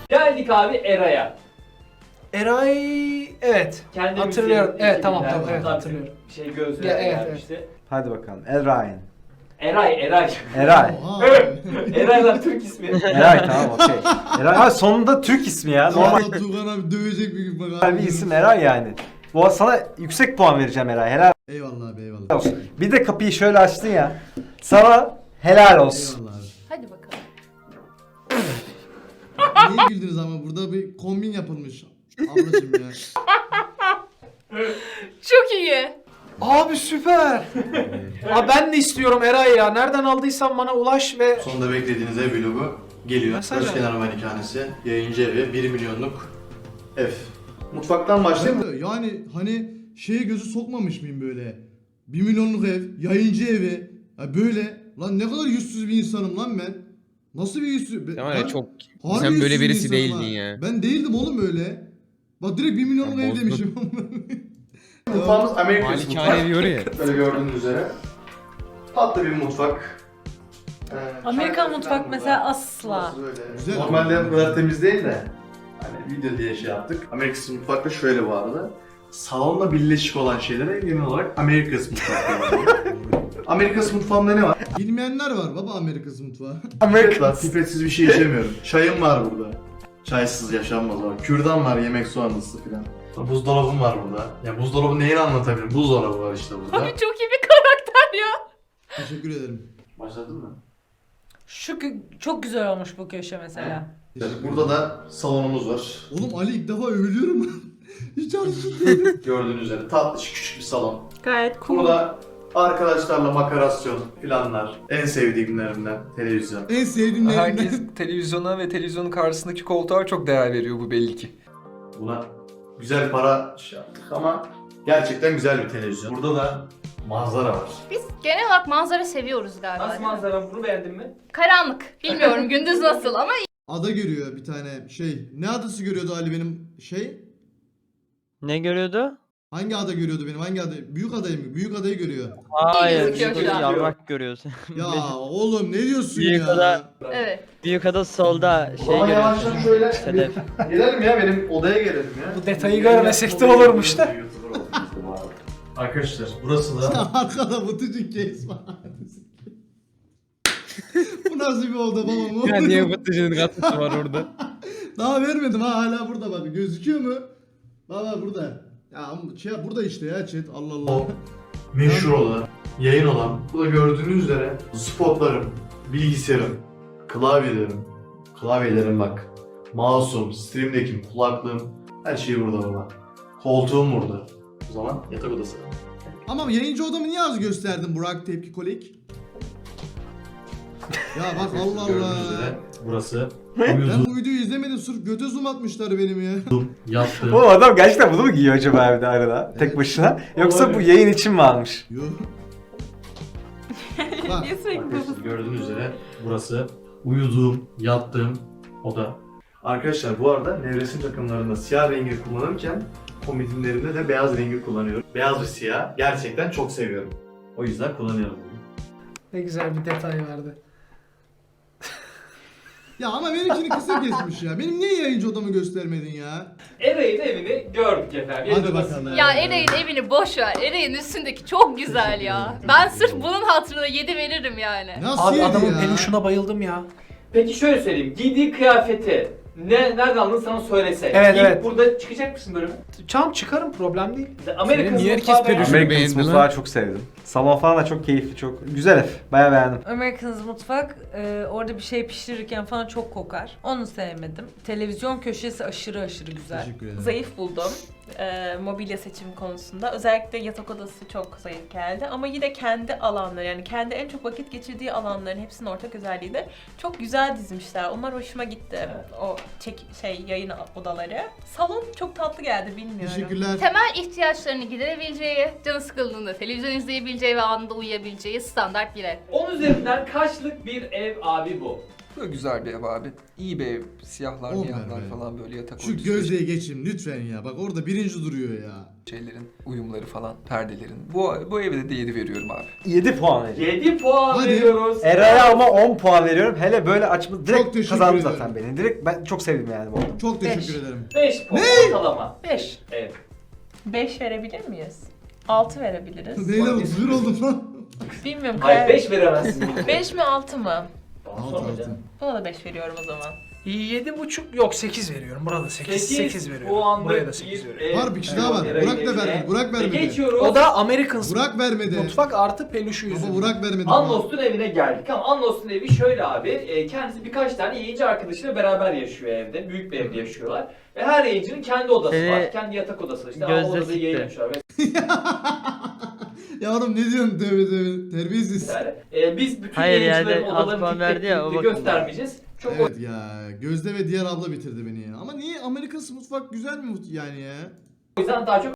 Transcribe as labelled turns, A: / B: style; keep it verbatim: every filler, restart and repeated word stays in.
A: Geldik abi Eray'a.
B: Eray evet.
A: Kendi
B: Hatırlıyorum.
A: müziğin
B: Evet tamam
A: ekibinden
B: tamam evet
A: hatta
B: hatırlıyorum.
A: Şey gözlüğe
B: Ya, evet,
A: gelmişti.
C: Hadi bakalım. Eray'ın.
A: Eray, Eray.
C: Eray.
D: Oha.
A: Eray lan Türk ismi.
C: Eray tamam okey. Eray abi sonunda Türk ismi ya. Normal
D: Normal Tuğkan abi dövecek bir gün bak abi.
C: bir isim Eray yani. Bu sana yüksek puan vereceğim Eray. Helal
D: Eyvallah abi eyvallah.
C: olsun. Bir de kapıyı şöyle açtın ya. Sana helal olsun.
D: Eyvallah abi.
E: Hadi bakalım.
D: Niye güldünüz ama burada bir kombin yapılmış. Ablacım ya.
E: Çok iyi.
B: Abi süper. Abi ben de istiyorum Eray ya. Nereden aldıysan bana ulaş ve
F: Sonunda beklediğiniz ev vlogu geliyor.
B: Mesaj
F: Özkenar Malikanesi, yayıncı evi, bir milyonluk ev. Mutfaktan başlayayım mı?
D: Yani hani şeye gözü sokmamış mıyım böyle? Bir milyonluk ev, yayıncı evi. Ya böyle. Lan ne kadar yüzsüz bir insanım lan ben. Nasıl bir yüzsüz? Ben,
G: Tamam ya
D: ben
G: çok
D: harbi
G: sen böyle
D: yüzsüz bir
G: birisi
D: insanım
G: değildin
D: ha.
G: ya.
D: Ben değildim oğlum öyle. Bak direkt bir milyonluk
G: Ya
D: ev
G: bozdun.
D: demişim.
F: Mutfağımız Amerikan mutfak.
G: Malikane diyor ya.
F: Böyle gördüğünüz üzere. Tatlı bir mutfak. Ee,
H: Amerikan
F: çay
H: mutfak
F: falan
H: mesela
F: burada.
H: asla.
F: Burası böyle.
D: Güzel.
F: Normalde bu kadar temiz değil de. Hani video diye şey yaptık. Amerikan mutfakta şöyle bu arada. Salonla birleşik olan şeylere genel olarak Amerikan mutfak diyorlar. Amerikan mutfağında ne var?
D: Bilmeyenler var baba Amerikası mutfağı.
F: Pipet var. Pipetsiz bir şey içemiyorum. Çayım var burada. Çaysız yaşanmaz var. Kürdan var, yemek soğanlısı filan. Buzdolabım var burada. Ya buzdolabı neyini anlatabilirim? Buzdolabı var işte burada.
E: Abi çok iyi bir karakter ya.
D: Teşekkür ederim.
F: Başladın mı?
H: Şu kö- çok güzel olmuş bu köşe mesela.
F: Evet, burada da salonumuz var.
D: Oğlum Ali ilk defa övülüyorum. Hiç alışık
F: Gördüğünüz üzere tatlış küçük bir salon.
H: Gayet cool.
F: Burada arkadaşlarla makarasyon, planlar. En sevdiğimlerimden televizyon.
D: En sevdiğim
I: Herkes televizyona ve televizyonun karşısındaki koltuğa çok değer veriyor bu belli ki.
F: Buna güzel para şey yaptık ama gerçekten güzel bir televizyon. Burada da manzara var.
E: Biz genel olarak manzara seviyoruz galiba.
A: Nasıl manzara, bunu beğendin mi?
E: Karanlık. Bilmiyorum gündüz nasıl ama
D: Ada görüyor bir tane şey. Ne adası görüyordu Ali benim şey?
J: Ne görüyordu?
D: Hangi ada görüyordu benim? Hangi ada? Büyük adayı mı? Büyük adayı görüyor.
J: Hayır,
E: gözüküyor
J: büyük
E: şu an.
J: yarrak görüyorsun.
D: Ya oğlum ne diyorsun
J: Büyük
D: ya?
J: ada-
E: evet.
J: Büyük ada solda şey
F: Ama yavaştan
J: görüyorsun.
F: şöyle
J: Sedef.
F: gelelim ya benim odaya gelelim ya.
B: Bu detayı görmesek de olurmuş da.
F: Arkadaşlar burası da
D: Arkada Batıcık case var. Bu nasıl bir oda baba mı?
G: Ya niye batıcının katkısı var orada?
D: Daha vermedim ha hala burada bak. Gözüküyor mu? Baba burada. Ya ama şey burada işte ya chat. Allah Allah.
F: O meşhur olan, yayın olan, bu da gördüğünüz üzere spotlarım, bilgisayarım, klavyelerim, klavyelerim bak, mouse'um, stream'deki kulaklığım, her şey burada baba. Koltuğum burada. O zaman yatak odası.
D: Ama yayıncı odamı niye az gösterdin Burak Tepki Kolik? Ya bak Allah
F: Gördüğünüz
D: Allah.
F: üzere burası
D: Ben
F: uyudum,
D: bu videoyu izlemedim sırf göte zoom atmışlar benim ya.
F: yattım.
C: O adam gerçekten bunu mu giyiyor acaba evde arada tek başına? Yoksa bu yayın için mi almış?
D: Yo. Bak
H: Niye sürekli
F: Arkadaşlar
H: bu?
F: gördüğünüz üzere burası uyuduğum, yattığım oda. Arkadaşlar bu arada nevresim takımlarında siyah rengi kullanırken komodinlerimde de beyaz rengi kullanıyorum. Beyaz ve siyah gerçekten çok seviyorum. O yüzden kullanıyorum.
B: Ne güzel bir detay verdi.
D: ya ama benimkini kısa kesmiş ya. Benim niye yayıncı odamı göstermedin ya?
A: Eray'ın evini gördük efendim.
D: Hadi
A: Yayın
D: bakalım.
A: odasında.
E: Ya Eray'ın evini boş ver. Eray'ın üstündeki çok güzel ya. Ben sırf bunun hatırına yedi veririm yani.
D: Nasıl
B: Abi
D: yedi
B: adamın
D: ya?
B: peluşuna bayıldım ya.
A: Peki şöyle söyleyeyim. Giydiği kıyafeti ne nereden aldın sana söylese.
B: Evet,
A: Giyip
B: evet.
A: burada çıkacak mısın bölümü?
B: Çam çıkarım problem değil.
A: Amerikan
G: niye herkes
A: mutfağı
G: peluş-
A: beğendin.
C: American
G: beğendi lan.
C: mutfağı çok sevdim. Salon falan da çok keyifli, çok güzel ev. Bayağı beğendim.
H: American's mutfak e, orada bir şey pişirirken falan çok kokar. Onu sevmedim. Televizyon köşesi aşırı aşırı güzel.
D: Teşekkür ederim.
K: Zayıf buldum e, mobilya seçimi konusunda. Özellikle yatak odası çok zayıf geldi. Ama yine kendi alanları, yani kendi en çok vakit geçirdiği alanların hepsinin ortak özelliği de çok güzel dizmişler. Onlar hoşuma gitti. O çek, şey yayın odaları. Salon çok tatlı geldi, bilmiyorum.
D: Teşekkürler.
E: Temel ihtiyaçlarını giderebileceği, canı sıkıldığında televizyon izleyebileceği ve anında uyuyabileceği standart bir ev.
A: on üzerinden kaçlık bir ev abi bu?
I: Böyle güzel bir ev abi. İyi bir ev. Siyahlar,
D: On
I: miyahlar
D: ver be.
I: falan böyle yatak
D: Şu
I: örtüsü,
D: Gözde'ye geçeyim lütfen ya. Bak orada birinci duruyor ya.
I: şeylerin, uyumları falan, perdelerin. Bu, bu evde de yedi veriyorum abi.
C: yedi puan veriyorum.
A: yedi puan
D: Hadi.
A: veriyoruz.
C: Eray'a ama on puan veriyorum. Hele böyle açma
D: Çok
C: direkt
D: teşekkür
C: kazandı
D: ederim.
C: zaten beni. Direkt ben çok sevdim yani bu arada.
D: Çok teşekkür
H: Beş.
D: ederim.
A: beş puan ortalama.
H: Beş.
A: Evet.
K: beş verebilir miyiz? altı verebiliriz.
D: Beyler zır oldum lan.
K: Bilmiyorum.
A: Hayır
K: karar-
A: beş veremezsin.
K: beş mi altı mı?
D: Altı altı.
K: Buna da beş veriyorum o zaman.
B: Yedi buçuk yok sekiz veriyorum. Burada sekiz. sekiz veriyorum.
A: puanlık
B: Buraya da sekiz
A: bir
B: veriyorum.
A: ev.
D: Var bir kişi daha var.
A: Eray'ın
D: Burak da
A: evine.
D: vermedi. Burak
A: Ve
D: vermedi.
A: geçiyoruz.
B: O da American
D: Burak vermedi.
B: Mutfak artı peluşu
D: Baba
B: yüzünden.
D: Burak vermedi.
A: Anlos'un evine geldik ama Anlos'un evi şöyle abi, e, kendisi birkaç tane yayıncı arkadaşıyla beraber yaşıyor evde. Büyük bir evde yaşıyorlar. Ve her yayıncının kendi odası
J: Seni
A: var. Kendi yatak odası var. İşte
J: gözde
A: ama odada
J: sikti.
A: yayın yapmışlar
D: Ya oğlum ne diyorsun tövbe tövbe. Terbiyesiz.
A: vesaire. E, biz bütün
J: Hayır,
A: yayıncıların
J: yani alt
A: odalarını
J: puan
A: tek
J: verdi ya, o
A: tek
J: bakımdan.
A: göstermeyeceğiz. Çok
D: Evet ya. Gözde ve diğer abla bitirdi beni ya. Ama niye Amerika'sı mutfak güzel mi yani ya?
A: o yüzden daha çok